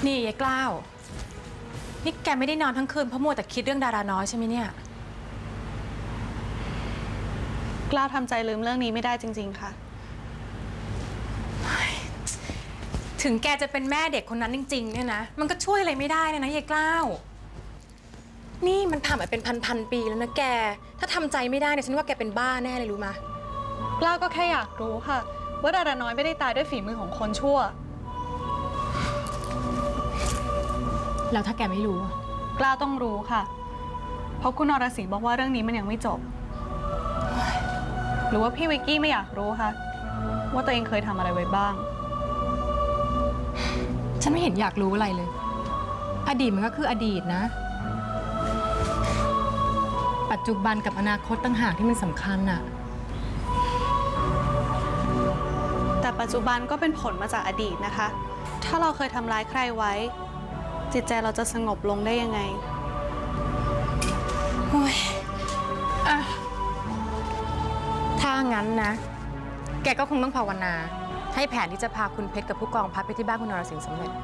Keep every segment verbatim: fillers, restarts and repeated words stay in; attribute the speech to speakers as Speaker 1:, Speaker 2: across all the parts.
Speaker 1: นี่ยายกล้าวนี่แกไม่ได้นอนทั้งคืนเพราะมัวแต่คิดเรื่องดาราน้อยใช่ไหมเนี่ย
Speaker 2: กล้าวทำใจลืมเรื่องนี้ไม่ได้จริงๆค่ะ
Speaker 1: ถึงแกจะเป็นแม่เด็กคนนั้นจริงๆเนี่ยนะมันก็ช่วยอะไรไม่ได้นะยายกล้าวนี่มันผ่านมาเป็นพันๆปีแล้วนะแกถ้าทำใจไม่ได้เนี่ยฉันว่าแกเป็นบ้าแน่เลยรู้มะ
Speaker 2: กล้าวก็แค่อยากรู้ค่ะว่าดาราน้อยไม่ได้ตายด้วยฝีมือของคนชั่ว
Speaker 1: แล้วถ้าแกไม่รู้
Speaker 2: กล้าวต้องรู้ค่ะเพราะคุณนรสิงห์บอกว่าเรื่องนี้มันยังไม่จบหรือว่าพี่วิกกี้ไม่อยากรู้คะว่าตัวเองเคยทำอะไรไว้บ้าง
Speaker 1: ฉันไม่เห็นอยากรู้อะไรเลยอดีตมันก็คืออดีตนะปัจจุบันกับอนาคตต่างหากที่มันสำคัญน่ะ
Speaker 2: แต่ปัจจุบันก็เป็นผลมาจากอดีตนะคะถ้าเราเคยทำร้ายใครไว้จิตใจเราจะสงบลงได้ยังไง
Speaker 1: โอ้ยอะถ้างั้นนะแกก็คงต้องภาวนาให้แผนที่จะพาคุณเพชรกับผู้กองพัดไปที่บ้านคุณนรสิงห์สำเร็จ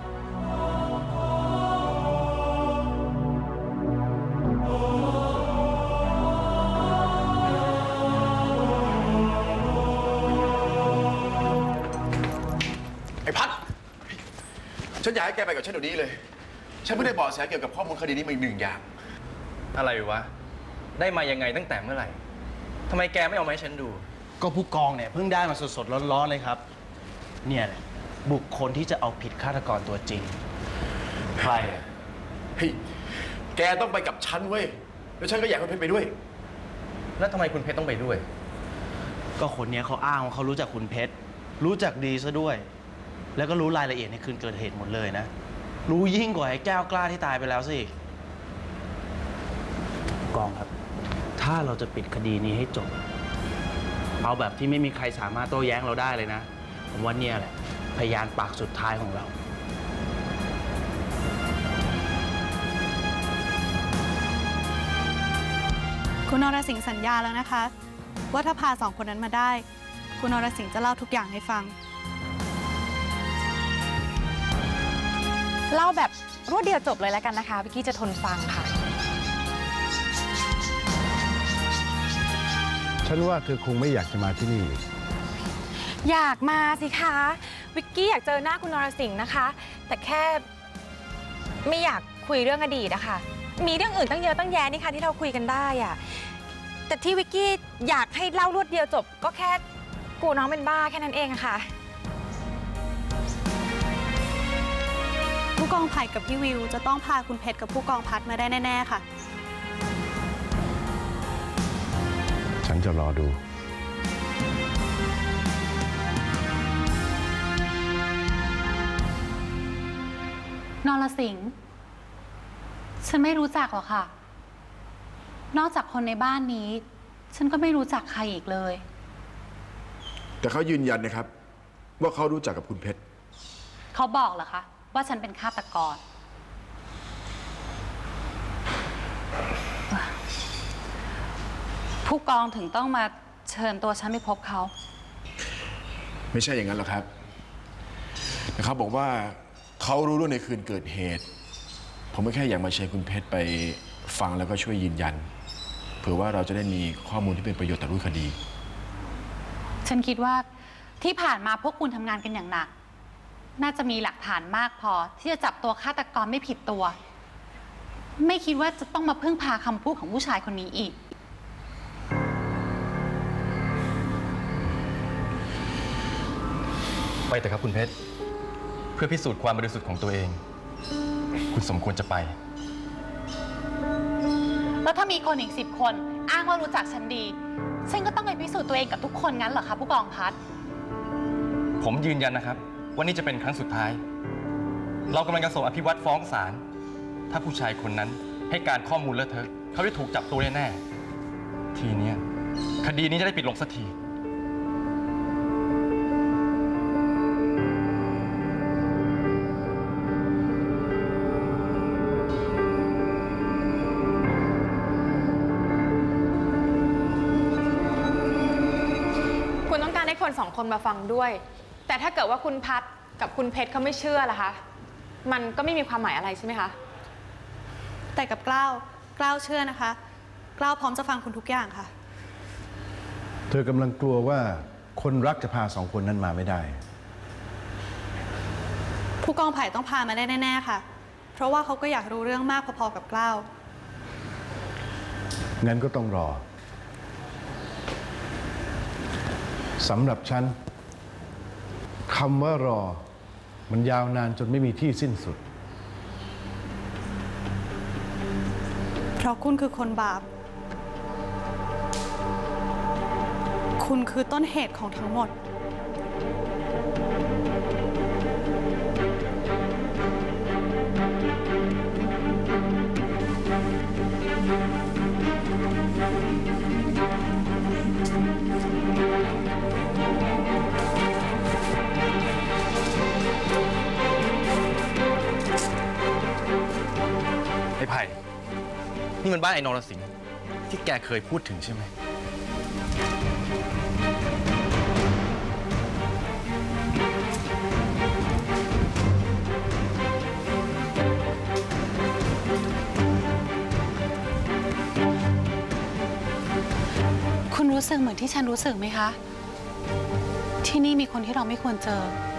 Speaker 3: ไอ้พัดฉันอยากให้แกไปกับฉันเดี๋ยวนี้เลยฉันไม่ได้บอกแสเกี่ยวกับข้อมูลคดีนี้มาอีกหนึ่งอย่าง
Speaker 4: อะไรวะได้มายังไงตั้งแต่เมื่อไหร่ทำไมแกไม่เอามาให้ฉันดู
Speaker 5: ก็ผู้กองเนี่ยเพิ่งได้มาสดๆร้อนๆเลยครับเนี่ยแหละบุคคลที่จะเอาผิดฆาตกรตัวจริงใคร
Speaker 3: เฮ้ยแกต้องไปกับฉันเว้ยแล้วฉันก็อยากให้เพชรไปด้วย
Speaker 4: แล้วทำไมคุณเพชรต้องไปด้วย
Speaker 5: ก็คนนี้เขาอ้างว่าเขารู้จักคุณเพชรรู้จักดีซะด้วยแล้วก็รู้รายละเอียดในคืนเกิดเหตุหมดเลยนะรู้ยิ่งกว่าไอ้แก้วกล้าที่ตายไปแล้วสิกองครับถ้าเราจะปิดคดีนี้ให้จบเอาแบบที่ไม่มีใครสามารถโต้แย้งเราได้เลยนะผมว่าเนี่ยแหละพยานปากสุดท้ายของเรา
Speaker 2: คุณนรสิงห์สัญญาแล้วนะคะว่าถ้าพาสองคนนั้นมาได้คุณนรสิงห์จะเล่าทุกอย่างให้ฟัง
Speaker 1: เล่าแบบรวดเดียวจบเลยแล้วกันนะคะวิกกี้จะทนฟังค่ะ
Speaker 6: ฉันว่าเธอคงไม่อยากจะมาที่นี่
Speaker 1: อยากมาสิคะวิกกี้อยากเจอหน้าคุณนรสิงห์นะคะแต่แค่ไม่อยากคุยเรื่องอดีตนะคะมีเรื่องอื่นตั้งเยอะตั้งแยะนี่ค่ะที่เราคุยกันได้อะแต่ที่วิกกี้อยากให้เล่ารวดเดียวจบก็แค่กูน้องเป็นบ้าแค่นั้นเองค่ะ
Speaker 2: ผู้กองไผ่กับพี่วิวจะต้องพาคุณเพชรกับผู้กองพัดมาได้แน่ๆค่ะ
Speaker 6: ฉันจะรอดู
Speaker 7: นรสิงห์ฉันไม่รู้จักหรอกค่ะนอกจากคนในบ้านนี้ฉันก็ไม่รู้จักใครอีกเลย
Speaker 3: แต่เขายืนยันนะครับว่าเขารู้จักกับคุณเพชร
Speaker 7: เขาบอกเหรอคะว่าฉันเป็นฆาตกรผู้กองถึงต้องมาเชิญตัวฉันไปพบเขา
Speaker 3: ไม่ใช่อย่างนั้นหรอกครับแต่เขาบอกว่าเขารู้เรื่องในคืนเกิดเหตุผมก็แค่อยากมาเชิญคุณเพชรไปฟังแล้วก็ช่วยยืนยันเผื่อว่าเราจะได้มีข้อมูลที่เป็นประโยชน์ต่อรูปคดี
Speaker 7: ฉันคิดว่าที่ผ่านมาพวกคุณทำงานกันอย่างหนักน่าจะมีหลักฐานมากพอที่จะจับตัวฆาตกรไม่ผิดตัวไม่คิดว่าจะต้องมาพึ่งพาคำพูดของผู้ชายคนนี้อีก
Speaker 4: ไปแต่ครับคุณเพชรเพื่อพิสูจน์ความบริสุทธิ์ของตัวเองคุณสมควรจะไป
Speaker 7: แล้วถ้ามีคนอีกสิบคนอ้างว่ารู้จักฉันดีฉันก็ต้องไปพิสูจน์ตัวเองกับทุกคนงั้นเหรอคะผู้กองพัด
Speaker 4: ผมยืนยันนะครับว่านี่จะเป็นครั้งสุดท้ายเรากำลังจะส่งอภิวัตฟ้องศาลถ้าผู้ชายคนนั้นให้การข้อมูลเลอะเทอะเขาจะถูกจับตัวแน่ๆทีนี้คดีนี้จะได้ปิดลงสักที
Speaker 1: คุณต้องการให้คนสองคนมาฟังด้วยแต่ถ้าเกิดว่าคุณพัดกับคุณเพชรเขาไม่เชื่อล่ะคะมันก็ไม่มีความหมายอะไรใช่ไหมคะ
Speaker 2: แต่กับกล้าวกล้าวเชื่อนะคะกล้าวพร้อมจะฟังคุณทุกอย่างค่ะ
Speaker 6: เธอกำลังกลัวว่าคนรักจะพาสองคนนั้นมาไม่ได้
Speaker 2: ผู้กองไผ่ต้องพามาได้แน่ๆค่ะ เพราะว่าเขาก็อยากรู้เรื่องมากพอๆกับกล้าว
Speaker 6: งั้นก็ต้องรอ สำหรับฉันคำว่ารอ มันยาวนานจนไม่มีที่สิ้นสุด
Speaker 2: เพราะคุณคือคนบาป คุณคือต้นเหตุของทั้งหมด
Speaker 4: ไอ้ไผ่ นี่มันบ้านไอ้นรสิงห์ที่แกเคยพูดถึงใช่ไหม
Speaker 7: คุณรู้สึกเหมือนที่ฉันรู้สึกไหมคะ ที่นี่มีคนที่เราไม่ควรเจอ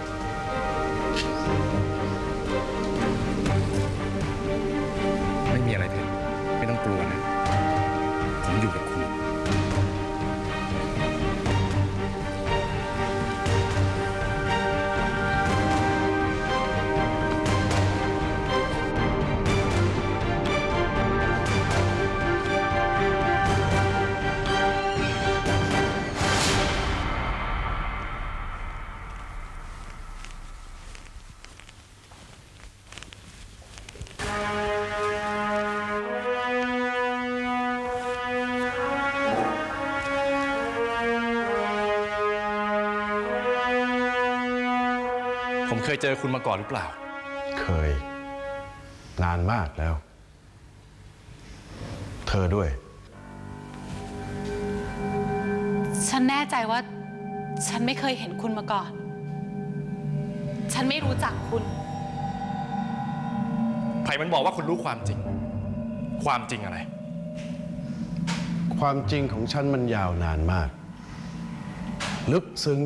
Speaker 4: ไม่มีอะไรเพชรไม่ต้องกลัวนะ ผมอยู่กับคุณ ผมเคยเจอคุณมาก่อนหรือเปล่า
Speaker 6: เคย นานมากแล้ว เธอด้วย
Speaker 7: ฉันแน่ใจว่า ฉันไม่เคยเห็นคุณมาก่อน ฉันไม่รู้จักคุณ
Speaker 4: ไผ่มันบอกว่าคุณรู้ความจริง ความจริงอะไร
Speaker 6: ความจริงของฉันมันยาวนานมาก ลึกซึ้ง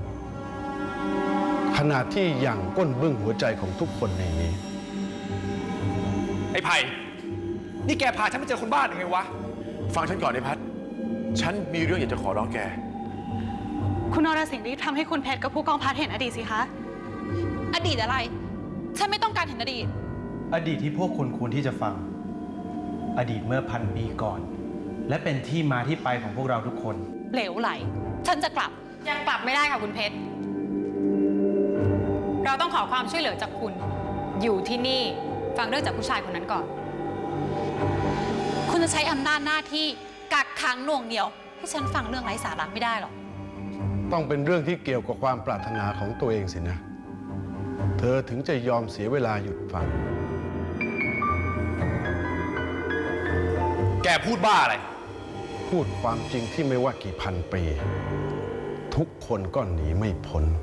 Speaker 6: ขนาดที่หยั่งก้นบึ้งหัวใจของทุกคนในนี้
Speaker 4: ไอ้ไผ่ นี่แกพาฉันไปเจอคนบ้านยังไงวะ
Speaker 3: ฟังฉันก่อนไอ้พัดฉันมีเรื่องอยากจะขอร้องแก
Speaker 2: คุณนรสิงห์รีบทำให้คุณเพชรกับผู้กองพัดเห็นอดีตสิคะ
Speaker 7: อดีตอะไร ฉันไม่ต้องการเห็นอดีต
Speaker 5: อดีตที่พวกคุณควรที่จะฟัง อดีตเมื่อพันปีก่อน และเป็นที่มาที่ไปของพวกเราทุกคน
Speaker 7: เหลวไหล ฉันจะกลับ
Speaker 1: ยังกลับไม่ได้ค่ะคุณเพชร เราต้องขอความช่วยเหลือจากคุณ อยู่ที่นี่ฟังเรื่องจากผู้ชายคนนั้นก่อน
Speaker 7: คุณจะใช้อำนาจหน้าที่กักขังหน่วงเหนี่ยว ให้ฉันฟังเรื่องไร้สาระไม่ได้หรอก
Speaker 6: ต้องเป็นเรื่องที่เกี่ยวกับความปรารถนาของตัวเองสินะ เธอถึงจะยอมเสียเวลาหยุดฟัง
Speaker 4: แกพูดบ้าอะไร
Speaker 6: พูดความจริงที่ไม่ว่ากี่พันปี ทุกคนก็หนีไม่พ้น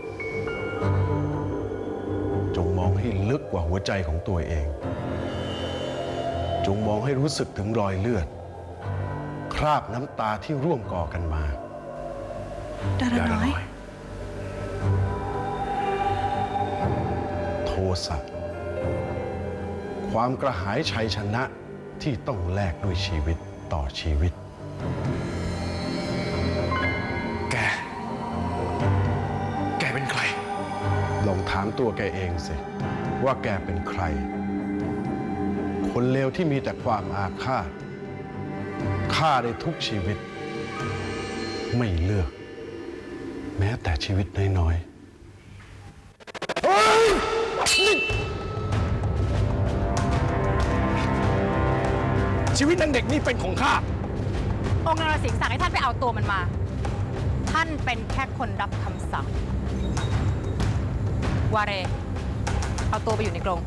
Speaker 6: จงมองให้ลึกกว่าหัวใจของตัวเอง จงมองให้รู้สึกถึงรอยเลือด คราบน้ำตาที่ร่วมก่อกันมา
Speaker 2: ดาราน้อย
Speaker 6: โทสะ ความกระหายชัยชนะที่ต้องแลกด้วยชีวิตต่อชีวิต
Speaker 4: แก แกเป็นใคร
Speaker 6: ลองถามตัวแกเองสิ ว่าแกเป็นใคร คนเลวที่มีแต่ความอาฆาตฆ่าได้ทุกชีวิต ไม่เลือก แม้แต่ชีวิตน้อยๆ
Speaker 4: ชีวิตนางเด็กนี่เป็นของข้า
Speaker 1: องค์นรสิงห์สั่งให้ท่านไปเอาตัวมันมา ท่านเป็นแค่คนรับคำสั่ง วาเร เอาตัวไปอยู่ในกรง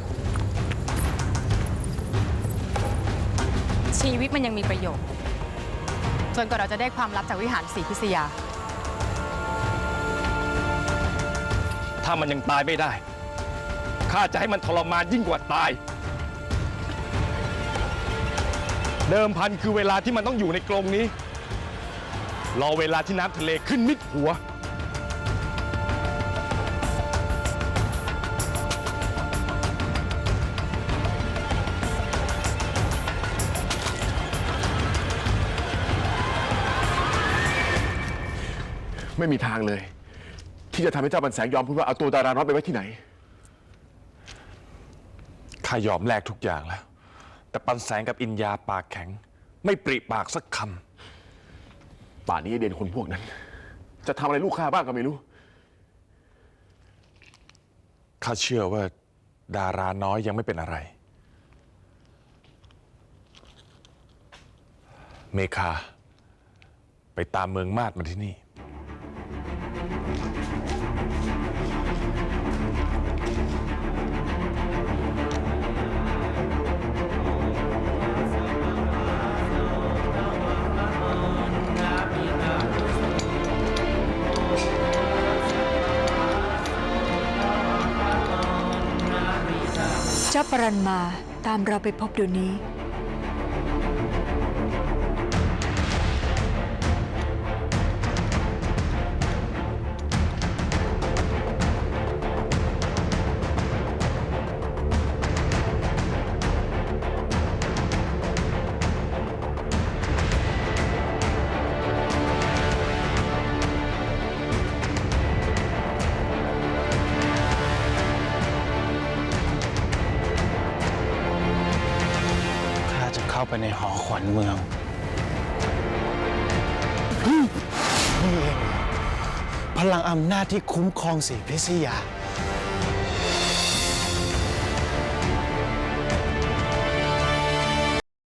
Speaker 1: ชีวิตมันยังมีประโยชน์ จนกว่าเราจะได้ความลับจากวิหารศรีพิษยา
Speaker 4: ถ้ามันยังตายไม่ได้ข้าจะให้มันทรมานยิ่งกว่าตาย เดิมพันคือเวลาที่มันต้องอยู่ในกรงนี้ รอเวลาที่น้ำทะเลขึ้นมิดหัว
Speaker 3: ไม่มีทางเลย ที่จะทำให้เจ้าบันแสงยอมพูดว่าเอาตัวดาราน้อยไปไว้ที่ไหน
Speaker 8: ข้ายอมแลกทุกอย่างแล้ว แต่ปันแสงกับอินยาปากแข็ง ไม่ปริปากสักค
Speaker 3: ป่านนี้ไอ้เด่นคนพวกนั้น จะทำอะไรลูกข้าบ้างก็ไม่รู้
Speaker 8: ำข้าเชื่อว่าดาราน้อยยังไม่เป็นอะไร เมคา ไปตามเมืองมาดมาที่นี่
Speaker 9: เจ้าปรันมาตามเราไปพบเดี๋ยวนี้
Speaker 5: ข้าจะเข้าไปในหอขวัญเมือง นี่เองพลังอำนาจที่คุ้มครองสีพิษยา